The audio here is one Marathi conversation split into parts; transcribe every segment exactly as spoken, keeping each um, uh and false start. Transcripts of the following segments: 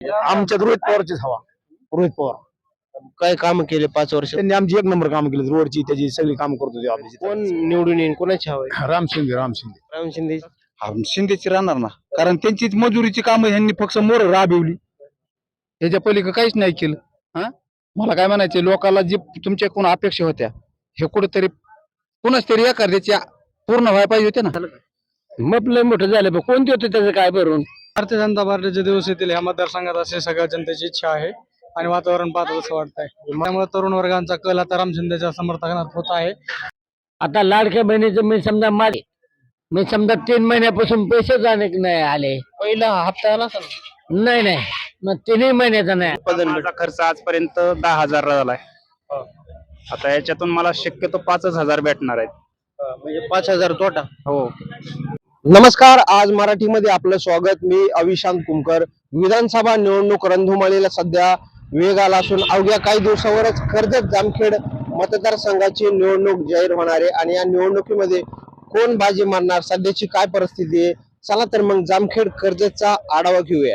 आमच्यात रोहित पवारचीच हवा. रोहित पवार काय काम केले पाच वर्ष? त्यांनी आमची एक नंबर काम केले, रोडची त्याची सगळी काम करतो ते आपली. कोण निवडून येईल, कोणाची हवा आहे? राम शिंदे राम शिंदे राम शिंदे. शिंदेची राहणार ना, कारण त्यांचीच मजुरीची कामं ह्यांनी फक्त मोर राबवली, ह्याच्या पलीकडे काहीच नाही केलं. हा मला काय म्हणायचे, लोकांना जे तुमच्या कोण अपेक्षा होत्या हे कुठेतरी कुणाच तरी एखाद्याच्या पूर्ण व्हायला पाहिजे होते ना. मग लय मोठं झालं, कोणते होते त्याचं काय भरून? भारतीय जनता पार्टीचे दिवस येतील ह्या मतदारसंघात असे सगळ्या जनतेची इच्छा आहे आणि वातावरण पाहता असं वाटतंय. त्यामुळे तरुण वर्गांचा कल आता राम शिंदेच्या समर्थनात होत आहे. आता लाडक्या बहिणीचं मी समजा माझे मी समजा तीन महिन्यापासून पैसेच अनेक नाही आले. पहिला हप्ता आला नाही नाही मग तीनही महिन्याचा नाही. माझा खर्च आजपर्यंत दहा हजार झालाय. आता याच्यातून मला शक्यतो पाचच हजार भेटणार आहेत. म्हणजे पाच हजार तोटा. हो. नमस्कार, आज मराठीमध्ये आपलं स्वागत. मी अविशांत कुमकर. विधानसभा निवडणूक रणधुमाळीला सध्या वेग आला असून अवघ्या काही दिवसावरच कर्जत जामखेड मतदारसंघाची निवडणूक जाहीर होणार आहे आणि या निवडणुकीमध्ये कोण बाजी मारणार, सध्याची काय परिस्थिती आहे, चला तर मग जामखेड कर्जतचा आढावा घेऊया.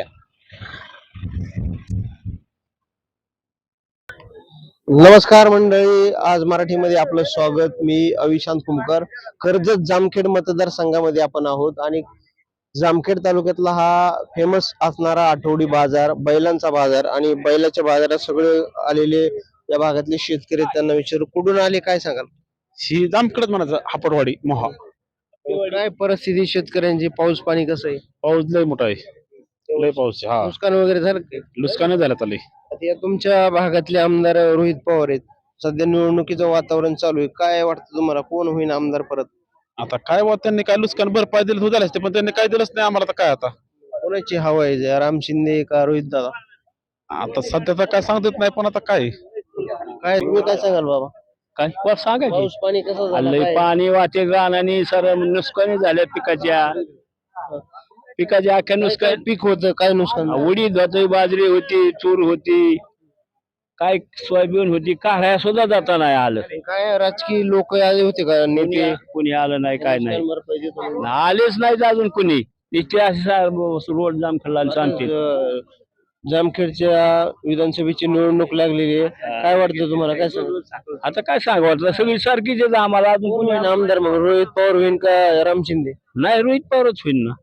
नमस्कार मंडळी, आज मराठीमध्ये आपलं स्वागत. मी अविशांत कुमकर. कर्जत जामखेड मतदारसंघामध्ये आपण आहोत आणि जामखेड तालुक्यातला हा फेमस असणारा आठवडी बाजार, बैलांचा बाजार आणि बैलाच्या बाजारात सगळे आलेले या भागातले शेतकरी, त्यांना विचारू कुठून आले, काय सांगाल? ही जामखेडच म्हणायचं, हापडवाडी मोहा. काय परिस्थिती शेतकऱ्यांची? पाऊस पाणी कसं आहे? पाऊस लय मोठा आहे, लय पाऊस आहे. हा नुकसान वगैरे झालं का? लुस्कान झालं चालू. आता या तुमच्या भागातले आमदार रोहित पवार आहेत, सध्या निवडणुकीचं वातावरण चालू आहे, काय वाटतं तुम्हाला कोण होईल आमदार परत? आता काय वा, त्यांनी काय लुस्कान भरपाई दिली हो झालं असते, पण त्यांनी काय दिलंच नाही आम्हाला. तर काय आता कोणाची हवा आहे, राम शिंदे का रोहित दादा? आता सध्या तर काय सांगत नाही, पण आता काय काय तुम्ही काय सांगाल बाबा? काय सांगायचं. पाऊस पाणी कसं झालं? लय काय? पाणी वाटे रानानी सर नुकसानी झाल्या पिकाच्या पिकाच्या अख्ख्या काय नुकसान. पीक होतं, काय नुकसान झालं? उडीद होती, बाजरी होती, तूर होती, काय सोयाबीन होती, काढाया सुद्धा जाता नाही आलं. काय राजकीय लोक आले होते का, नेते? कुणी कुणी आलं नाही, काय नाही, नुकसान भरपाई देतो म्हणून. आलेच नाहीत अजून कुणी. इथे असे रोड जाम खाल्ला सांगते. अं, जामखेडच्या विधानसभेची निवडणूक लागलेली आहे, काय वाटतं तुम्हाला, काय सांगाल? आता काय सांगावं, सगळी सारखीच आहेत आम्हाला. अजून कोण कुणी होईल आमदार मग, रोहित पवार होईल का राम शिंदे? नाही, रोहित पवारच होईल ना.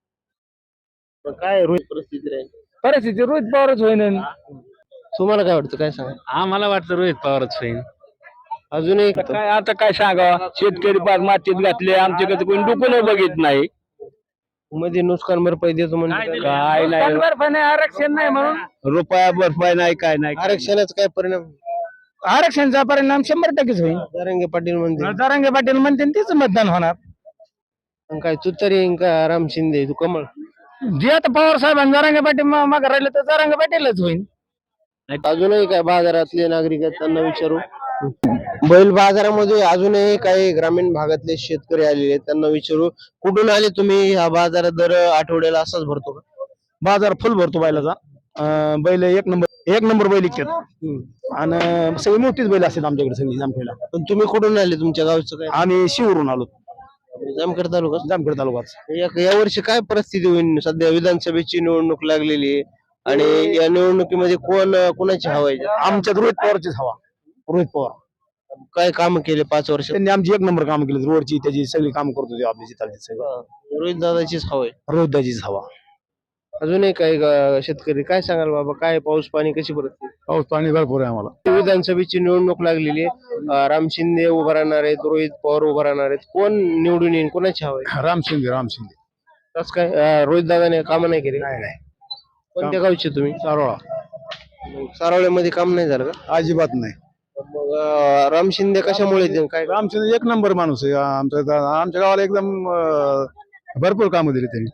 मग काय रोहित परिस्थिती राहील? परिस्थिती रोहित पवारच होईल. तुम्हाला काय वाटतं, काय सांगा? आम्हाला वाटतं रोहित पवारच होईल. अजूनही आता काय आता काय सांगावं, शेतकरी पार मातीत घातले, आमच्याकडे कोणी डुकून बघित नाही. मध्ये नुकसान भरपाई देतो म्हणजे काय नाही, भरपाई नाही, आरक्षण नाही म्हणून रुपया भरपाई नाही, काय नाही. आरक्षणाचा काय परिणाम? आरक्षणचा परिणाम शंभर टक्केच होईल. जरांगे पाटील म्हणते जरांगे पाटील म्हणते तीच मतदान होणार. मग काय तुतारी येईन का राम शिंदे, तू कमळ? जे आता पवार साहेबांनी जरांगे पाटील मागे राहिले तर जरांगे पाटीलच होईल. अजूनही काय बाजारातले नागरिक आहेत, त्यांना विचारू. बैल बाजारामध्ये अजूनही काही ग्रामीण भागातले शेतकरी आलेले आहेत, त्यांना विचारू कुठून आले तुम्ही? हा बाजार दर आठवड्याला असाच भरतो का? बाजार फुल भरतो बैलाचा. अं, बैल एक नंबर एक नंबर बैल इकतात आणि सगळी मोठीच बैल असतात आमच्याकडे सगळी जामखेडला. पण तुम्ही कुठून आले, तुमच्या गावचं काय? आम्ही शिवरून आलो, जामखेड तालुका. जामखेड तालुक्यात. या या वर्षी काय परिस्थिती होईल? सध्या विधानसभेची निवडणूक लागलेली आहे आणि या निवडणुकीमध्ये कोण कोणाची हवा आहे? आमच्यात रोहित पवारचीच हवा. रोहित पवार काय काम केले पाच वर्ष? त्यांनी आमची एक नंबर काम केली, रोडची त्याची सगळी काम करतो ते आपली जिथाली सगळं. रोहित दादाचीच हवा आहे. रोहितदाचीच हवा. अजूनही काही गा- शेतकरी काय सांगाल बाबा, काय पाऊस पाणी कशी परिस्थिती? पाऊस पाणी भरपूर आहे आम्हाला. विधानसभेची निवडणूक लागलेली आहे, अं, राम शिंदे उभा राहणार आहेत, रोहित पवार उभा राहणार आहेत, कोण निवडून येईल, कोणाची हवा आहे? राम शिंदे राम शिंदे. कसं काय? रोहित दादाने काम नाही केले? नाही नाही, कोणत्या गावचे तुम्ही? सारोळा. सारोळ्यामध्ये काम नाही झालं का? अजिबात नाही. मग अं, राम शिंदे कशामुळे येतील? काय राम शिंदे एक नंबर माणूस आहे. आमच्या आमच्या गावाला एकदम अं, भरपूर कामं दिली त्यांनी.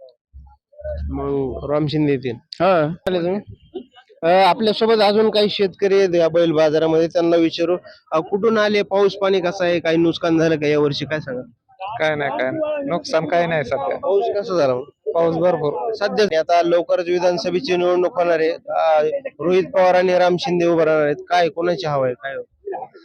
मग राम शिंदे येतील. हा आले तुम्ही? अं, आपल्यासोबत अजून काही शेतकरी आहेत या बैल बाजारामध्ये, त्यांना विचारू अं, कुठून आले, पाऊस पाणी कसं आहे, काही नुकसान झालं का या वर्षी, काय सांगा? काय नाही, काय नुकसान काय नाही सध्या. पाऊस कसा झाला मग? पाऊस भरपूर. सध्या आता लवकरच विधानसभेची निवडणूक होणार आहे, अं, रोहित पवार आणि राम शिंदे उभं राहणार आहेत, काय कोणाची हवा आहे, काय?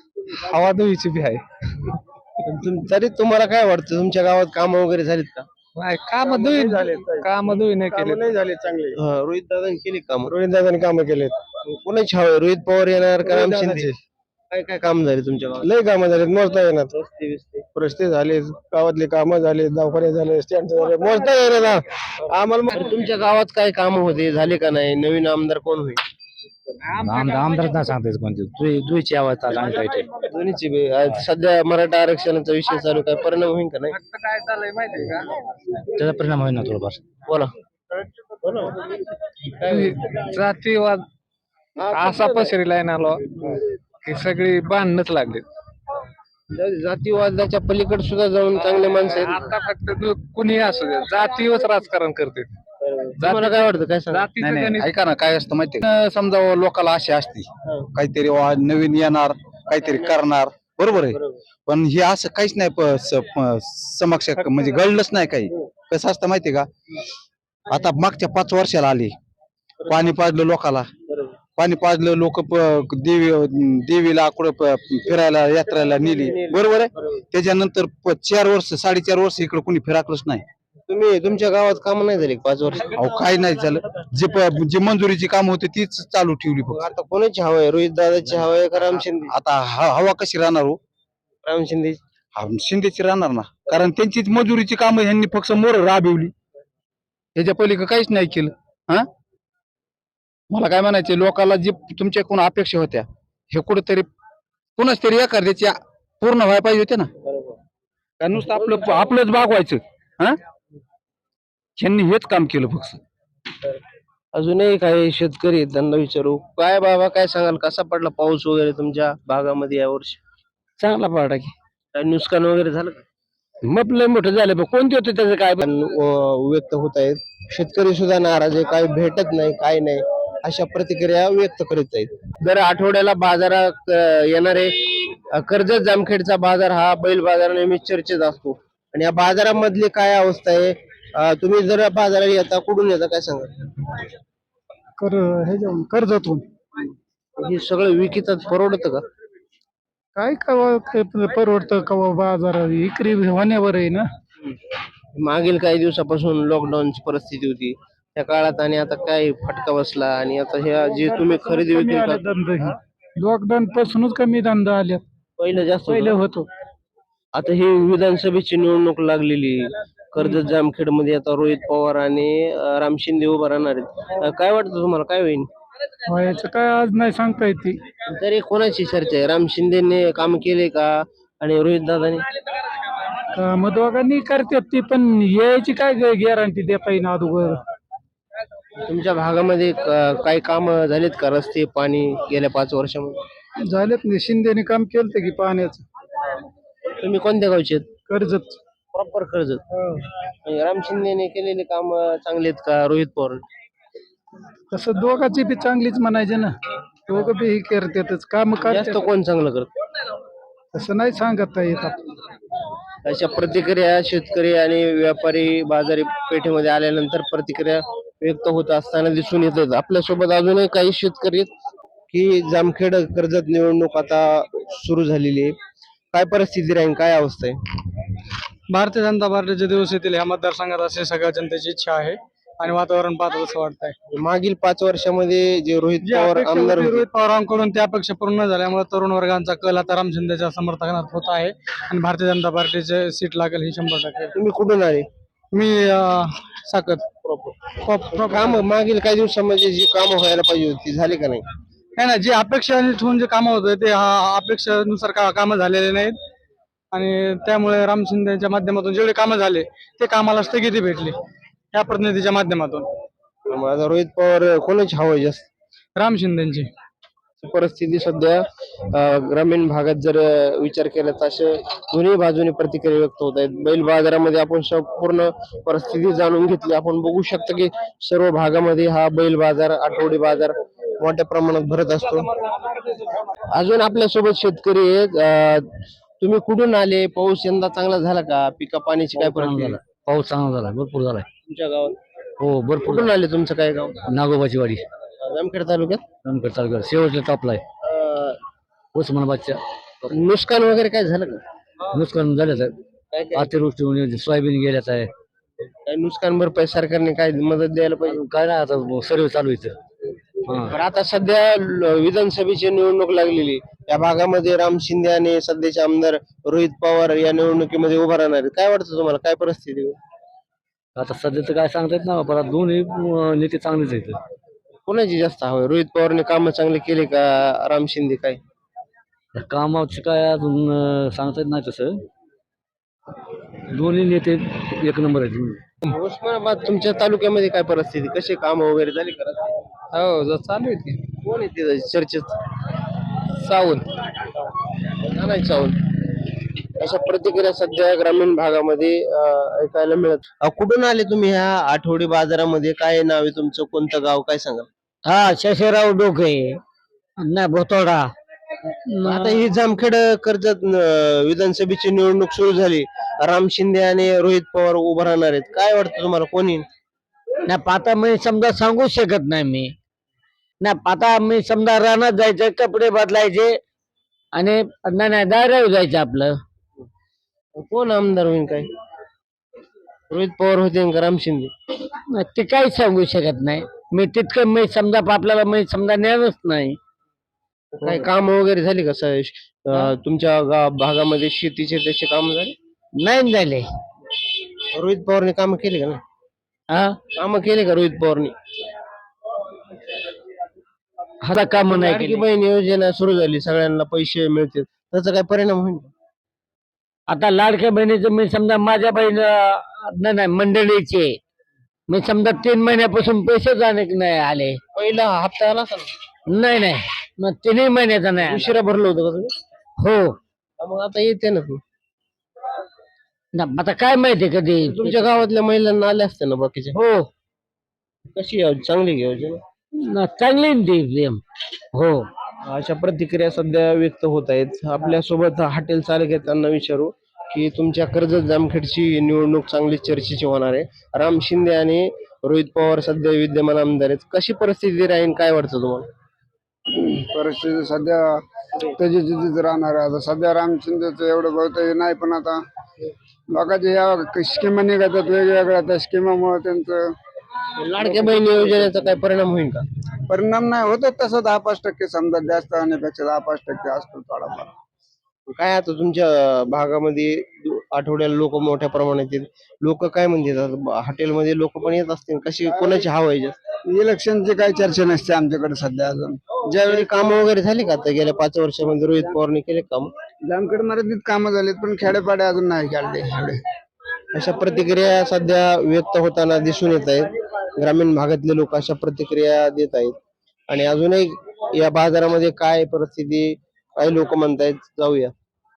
हवा दुईची बी आहे. तुम- तरी तुम्हाला काय वाटतं, तुमच्या गावात कामं वगैरे झालीत का? नाही काम दुई काम दुई नाही केले नाही झाले चांगले रोहित दादांनी केली काम रोहित दादांनी काम केलेत कोणाची हवं रोहित पवार येणार का राम शिंदे काय काय काम झाले तुमच्या गावात लय कामं झालेत मोजता येणार रस्ते बिस्ते रस्ते झाले गावातले कामं झाले दवाखाने झाले स्टँड झाले मोजता येणार ना आम्हाला तुमच्या गावात काय काम होते झाले का नाही नवीन आमदार कोण होईल आमदार नाही सांगते कोणते दुईची आवाज दोन्हीची बी. आज सध्या मराठा आरक्षणाचा विषय चालू काय परिणाम होईल का नाही काय चाललंय माहितीये का त्याचा परिणाम होईल ना थोडंफार बोला जातीवाद असा पसरीला आलो की सगळी बांधणच लागली. जातीवादाच्या पलीकडे सुद्धा जाऊन चांगले माणसं आहेत आता फक्त तू कुणी असू दे जातीवच राजकारण करते. तुम्हाला काय वाटतं काय सांगा जातीचं नाही, नाही, गणित ऐका ना काय असतं माहितीये का? समजा व लोकाला आशा असती काहीतरी वा नवीन येणार काहीतरी करणार बरोबर आहे पण हे असं काहीच नाही प- स- प- समक्ष म्हणजे घडलंच नाही काही कसं असतं माहितीये का आता मागच्या पाच वर्षाला आली पाणी पाजलं लोकाला पाणी पाजलं लोक देवी देवीला कुठं प- फिरायला यात्रेला नेली बरोबर आहे त्याच्यानंतर प- चार वर्ष साडेचार वर्ष इकडे कोणी फिराकलंच नाही तुम्ही तुमच्या गावात काम नाही झाली का पाच वर्ष अहो काही नाही झालं जे प- जे मंजुरीची काम होते तीच चालू ठेवली फक्त आता कोणाची हवं आहे रोहित दादाची हवं आहे का राम शिंदे आता ह- हवा कशी राहणार हो राम शिंदे हा, शिंदेची राहणार ना कारण त्यांचीच मजुरीची कामं ह्यांनी फक्त मोर राबवली ह्याच्या पलीकडे काहीच नाही केलं हा मला काय म्हणायचे लोकाला जे तुमच्याकडून अपेक्षा होत्या हे कुठेतरी कुणाच तरी एखाद्याची पूर्ण व्हायला पाहिजे होते ना का नुसतं आपलं आपलंच भागवायचं हा ह्यांनी हेच काम केलं फक्त अजूनही काही शेतकरी आहेत, त्यांना विचारू काय बाबा काय सांगाल कसा पडला पाऊस वगैरे तुमच्या भागामध्ये या वर्षी चांगला पडला की काय नुकसान वगैरे झालं का मग लय मोठं झालं पण कोणते होते त्याचं काय पण, अं, व्यक्त होत आहेत शेतकरी सुद्धा नाराज आहे काही भेटत नाही काय नाही अशा प्रतिक्रिया व्यक्त करीत आहेत दर आठवड्याला बाजारात अं, येणारे अं, कर्जत जामखेडचा बाजार हा बैल बाजार नेहमी चर्चेत असतो आणि या बाजारामधली काय अवस्था आहे अं, तुम्ही जर बाजारात येता कुठून येता काय सांगा कर हे जाऊन कर्जतून हे सगळं विकितात परवडतं का काय कवा परवडतं कवा बाजार इकरी होण्यावर आहे ना. मागील काही दिवसापासून लॉकडाऊनची परिस्थिती होती त्या काळात आणि आता काय फटका बसला आणि आता ह्या जे तुम्ही खरेदी विक्री करता, लॉकडाऊन पासूनच कमी धंदा आल्या पहिलं जास्त पहिले होतं. होतो. आता ही विधानसभेची निवडणूक लागलेली कर्जत जामखेड मध्ये आता रोहित पवार आणि अं, राम शिंदे उभा राहणार आहेत अं, काय वाटतं तुम्हाला काय होईल व्हायचं काय आज नाही सांगता येते. तरी कोणाची चर्चा आहे राम शिंदेने काम केले का आणि रोहित दादाने मग दोघांनी करतात ती पण यायची काय गॅरंटी देता येईन अगोदर. तुमच्या भागामध्ये क- काही काम झालेत का रस्ते पाणी गेल्या पाच वर्षामध्ये झालेत नाही शिंदेने काम केलं की पाण्याचं. तुम्ही कोणत्या गावचे आहेत कर्जत प्रॉपर कर्जत आणि राम शिंदेने केलेले काम चांगले आहेत का रोहित पवार तसं दोघांची बी चांगलीच म्हणायचे ना दोघं बी हे करतातच काम जास्त करतात कोण चांगलं करत तसं नाही सांगता येतात. अशा प्रतिक्रिया शेतकरी आणि व्यापारी बाजारी पेठेमध्ये आल्यानंतर प्रतिक्रिया व्यक्त होत असताना दिसून येतात आपल्यासोबत अजूनही काही शेतकरी आहेत की जामखेड कर्जत निवडणूक आता सुरू झालेली आहे काय परिस्थिती राहील काय अवस्था आहे भारतीय जनता पार्टीचे दिवस येतील ह्या मतदारसंघात असे सगळ्या जनतेची इच्छा आहे आणि वातावरण पाहता असं वाटतंय. मागील पाच वर्षामध्ये जे रोहित जी पवार अपेक्षा आमदार होती होते रोहित पवारांकडून त्या अपेक्षा पूर्ण न झाल्यामुळे तरुण वर्गांचा कल आता राम शिंदेच्या समर्थनात होत आहे आणि भारतीय जनता पार्टीचे सीट लागेल ही शंभर टक्के. तुम्ही कुठून आले मी अं, साकत काम मागील काही दिवसामध्ये जी कामं व्हायला पाहिजे होती ती झाली का नाही नाही ना जे अपेक्षा ठेवून जे कामं होते ते हा अपेक्षेनुसार का कामं झालेले नाहीत आणि त्यामुळे राम शिंदेच्या माध्यमातून जेवढे कामं झाले ते कामाला स्थगिती भेटली या प्रतिनिधीच्या माध्यमातून. माझा रोहित पवार कोणाची हवं आहे जास्त राम शिंदेची परिस्थिती सध्या अं, ग्रामीण भागात जर अं, विचार केला तर असे दोन्ही बाजूने प्रतिक्रिया व्यक्त होत आहेत बैल बाजारामध्ये आपण संपूर्ण परिस्थिती जाणून घेतली आपण बघू शकतो की सर्व भागामध्ये हा बैल बाजार आठवडी बाजार मोठ्या प्रमाणात भरत असतो. अजून आपल्या सोबत शेतकरी आहेत अं, तुम्ही कुठून आले पाऊस यंदा चांगला झाला का पिका पाण्याची काय परिस्थिती आहे? पाऊस चांगला झाला भरपूर झालाय तुमच्या गावात हो भरपूर कुठून आले तुमचं काय गाव नागोबाची वाडी जामखेड तालुक्यात नंतर चालू शेवटच्या टॉपलाय अं, उस्मानाबादच्या नुकसान वगैरे काय झालं का नुकसान झाल्याच आहे काय काय अतिवृष्टी होऊन सोयाबीन गेल्याच आहे काय नुकसान भरपाई सरकारने काय मदत द्यायला पाहिजे? काय नाही आता सर्व चालू आहे इथं. हा. बरं, आता सध्या ल- विधानसभेची निवडणूक लागलेली, या भागामध्ये राम शिंदे आणि सध्याचे आमदार रोहित पवार या निवडणुकीमध्ये उभा राहणार आहेत. काय वाटतं तुम्हाला, काय परिस्थिती होईल? आता सध्याचं काय सांगता येत ना परत दोन्ही अं, नेते चांगलेच आहेत. कोणाची जास्त हवं आहे? रोहित पवारने कामं चांगले केले का राम शिंदे? काय कामाचं काय अजून अं, सांगता येत नाही तसं. दोन्ही नेते एक नंबर आहेत. उस्मानाबाद तुमच्या तालुक्यामध्ये काय परिस्थिती, कसे काम वगैरे झाले का? हो चालू आहे की कोण येते चर्चेत? सावंत नाही सावंत. अशा प्रतिक्रिया सध्या ग्रामीण भागामध्ये अं, ऐकायला मिळत. अं, कुठून आले तुम्ही ह्या आठवडी बाजारामध्ये? काय नाव आहे तुमचं, कोणतं गाव, काय सांगाल? हा शशीराव डोके नाही भोतोडा. आता ही जामखेड कर्जत अं, विधानसभेची निवडणूक सुरू झाली. राम शिंदे आणि रोहित पवार उभं राहणार आहेत. काय वाटतं तुम्हाला, कोणी? नाही पाता मी समजा सांगू शकत नाही मी. नाही पाता मी समजा रानात जायचं, कपडे बदलायचे आणि नाही नाही दारावर जायचं आपलं. कोण आमदार होईल? काय रोहित पवार होते का राम शिंदे? नाही, ते काहीच सांगू शकत नाही मी. तितकं मी समजा आपल्याला मी समजा ज्ञानच नाही. काय काम वगैरे झाली का? स- अं, तुमच्या गा- भागामध्ये शेतीचे त्याचे काम झाले? नाही झाले. रोहित पवारने काम केले का? ना हा काम केले का रोहित पवारने? आता काम नाही लाडकी केली. बहीण योजना सुरू झाली, सगळ्यांना पैसे मिळतील, त्याचा काय परिणाम होईल? आता लाडक्या बहिणीचं मी समजा माझ्या बहीण अं, नाही नाही मंडळीचे मी समजा तीन महिन्यापासून पैसेच अनेक नाही आले. पहिला हप्ता आला असेल ना? नाही नाही मग तिन्ही महिन्याचा नाही आला. उशिरा भरलं होतं का तुम्ही? हो हा, मग आता येते ना तू. ना आता काय माहिती कधी. तुमच्या गावातल्या महिलांना आले असते ना बाकीच्या? हो कशी आहे? चांगली घ्या योजना. ना चांगली ना ती प्रेम. हो अशा प्रतिक्रिया सध्या व्यक्त होत आहेत. आपल्या सोबत हॉटेल चालक आहेत, त्यांना विचारू की तुमच्या कर्जत जामखेडची निवडणूक चांगली चर्चेची होणार आहे. राम शिंदे आणि रोहित पवार सध्या विद्यमान आमदार आहेत. कशी परिस्थिती राहील, काय वाटतं तुम्हाला? परिस्थिती सध्या त्याची तिथेच राहणार आहे. आता सध्या राम शिंदेचं एवढं बहुतेक नाही, पण आता लोकांच्या या स्कीमा निघतात वेगवेगळ्या, त्या स्कीमामुळे त्यांचं लाडक्या बहीण योजनेचा काय परिणाम होईल का? परिणाम नाही होत तसं. दहा पाच टक्के समजा जास्त आणण्यापेक्षा दहा पाच टक्के असतो थोडाफार. काय आता तुमच्या भागामध्ये आठवड्याला लोक मोठ्या प्रमाणात येत, लोक काय म्हणतात? हॉटेलमध्ये लोक पण येत असतील, कशी कोणाची हवा आहे जास्त? इलेक्शनची काही चर्चा नसते आमच्याकडे सध्या अजून. ज्यावेळी काम वगैरे झाली का आता गेल्या पाच वर्षामध्ये रोहित पवारने केले काम? जामखेड मर्यादित कामं झालीत, पण खेडेपाडे अजून नाही काढले एवढे. अशा प्रतिक्रिया सध्या व्यक्त होताना दिसून येत आहेत. ग्रामीण भागातले लोक अशा प्रतिक्रिया देत आहेत. आणि अजूनही या बाजारामध्ये काय परिस्थिती, काही लोक म्हणतायत, जाऊया.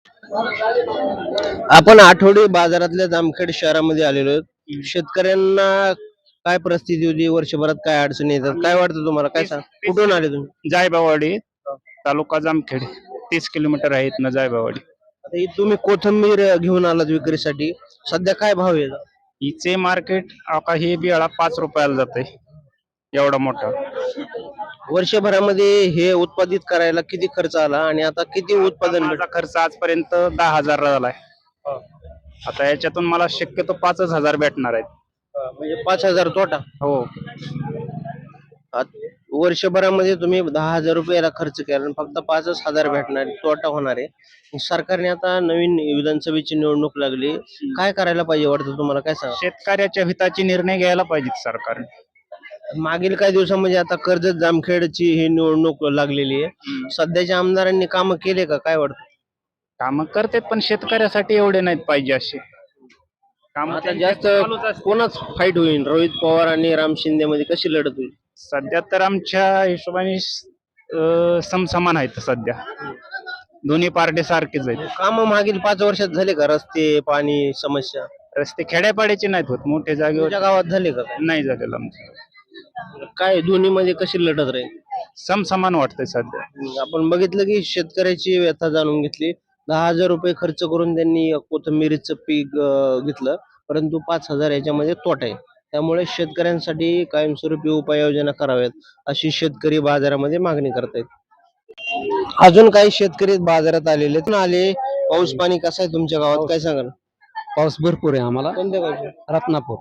आपण आठवडी बाजारातल्या जामखेड शहरामध्ये आलेलो आहोत. शेतकऱ्यांना काय परिस्थिती होती, वर्षभरात काय अडचणी येतात, काय वाटतं तुम्हाला? काय सांग, कुठून आले तुम्ही? जायबावाडी तालुका जामखेड, तीस किलोमीटर आहे इथनं जायबावाडी. आता ही तुम्ही कोथंबीर घेऊन आलात विक्रीसाठी, सध्या काय भाव आहे? हिचे मार्केट आता हे बियाळा पाच रुपयाला जाते, एवढा मोठा. वर्षभरामध्ये हे उत्पादित करायला किती खर्च आला आणि आता किती उत्पादन माझा खर्च आजपर्यंत दहा हजार झालाय. आता याच्यातून मला शक्यतो पाचच हजार भेटणार आहेत. म्हणजे पाच हजार तोटा? हो. आत- वर्षभरामध्ये तुम्ही दहा हजार रुपयाला खर्च केला आणि फक्त पाचच हजार भेटणार, तोटा होणार आहे. सरकारने आता नवीन विधानसभेची निवडणूक लागली, काय करायला पाहिजे वाटतं तुम्हाला? काय सांगा. शेतकऱ्याच्या हिताचे निर्णय घ्यायला पाहिजेत सरकारने. मागील काही दिवसामध्ये आता कर्जत जामखेडची ही निवडणूक लागलेली आहे. सध्याच्या आमदारांनी काम केले का, काय वाटतं? कामं करतात, पण शेतकऱ्यासाठी एवढे नाहीत पाहिजे असे काम. आता जास्त कोणाच फाईट होईल, रोहित पवार आणि राम शिंदे मध्ये कशी लढत होईल? सध्या तर आमच्या हिशोबाने अं, समसमान आहेत सध्या, दोन्ही पार्टी सारखेच आहेत. काम मागील पाच वर्षात झाले का? रस्ते, पाणी समस्या रस्ते खेड्यापाड्याचे नाहीत होत, मोठे जागेवर तुमच्या गावात झाले का? नाही झालेलं आमचं. काय दोन्ही मध्ये कशी लढत राहील? समसमान वाटतंय सध्या. आपण बघितलं की शेतकऱ्याची व्यथा जाणून घेतली. दहा हजार रुपये खर्च करून त्यांनी कोथिंबीरीचं पीक अं, घेतलं, परंतु पाच हजार याच्यामध्ये तोटा आहे. त्यामुळे शेतकऱ्यांसाठी कायमस्वरूपी उपाययोजना कराव्यात, अशी शेतकरी बाजारामध्ये मागणी करतायत. अजून काही शेतकरी बाजारात आलेले आले. पाऊस पाणी कसं आहे तुमच्या गावात, काय सांगाल? पाऊस भरपूर आहे आम्हाला. कोणत्या गावचे? रत्नापूर.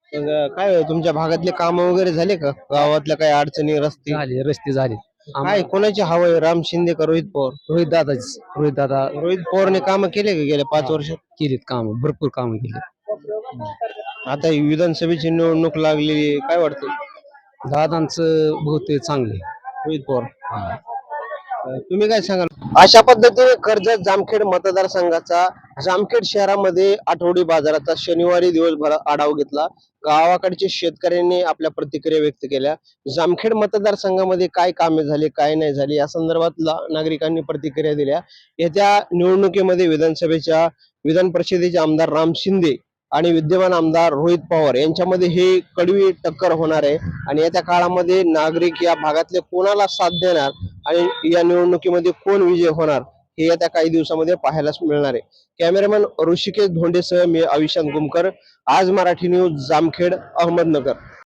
मग काय होय, तुमच्या भागातले काम वगैरे झाले का? गावातल्या काही अडचणी, रस्ते झाले रस्ते झाले काय कोणाची हवा आहे? राम शिंदे का रोहित पवार? रोहित दादाच रोहित दादा रोहित पवारने काम केले का गेल्या पाच वर्षात? केलीत काम भरपूर काम केले. आता ही विधानसभेची निवडणूक लागलेली आहे, काय वाटतं? दादांचं बहुतेक चांगले. रोहित पवार. तुम्ही काय सांगाल? अशा पद्धतीने कर्जत जामखेड मतदारसंघाचा जामखेड शहरामध्ये आठवडी बाजाराचा शनिवारी दिवसभर आढावा घेतला. गावाकडचे शेतकऱ्यांनी आपल्या प्रतिक्रिया व्यक्त केल्या. जामखेड मतदारसंघामध्ये काय कामे झाली, काय नाही झाली या संदर्भात नागरिकांनी प्रतिक्रिया दिल्या. येत्या निवडणुकीमध्ये विधानसभेच्या विधान परिषदेचे आमदार राम शिंदे आणि विद्यमान आमदार रोहित पवार यांच्यामध्ये हे कडवी टक्कर होणार आहे आणि येत्या काळामध्ये नागरिक या भागातले कोणाला साथ देणार आणि या निवडणुकीमध्ये कोण विजय होणार हे येत्या काही दिवसामध्ये पाहायला मिळणार आहे. कॅमेरामॅन ऋषिकेश धोंडेसह मी अविशांत गुमकर, आज मराठी न्यूज, जामखेड, अहमदनगर.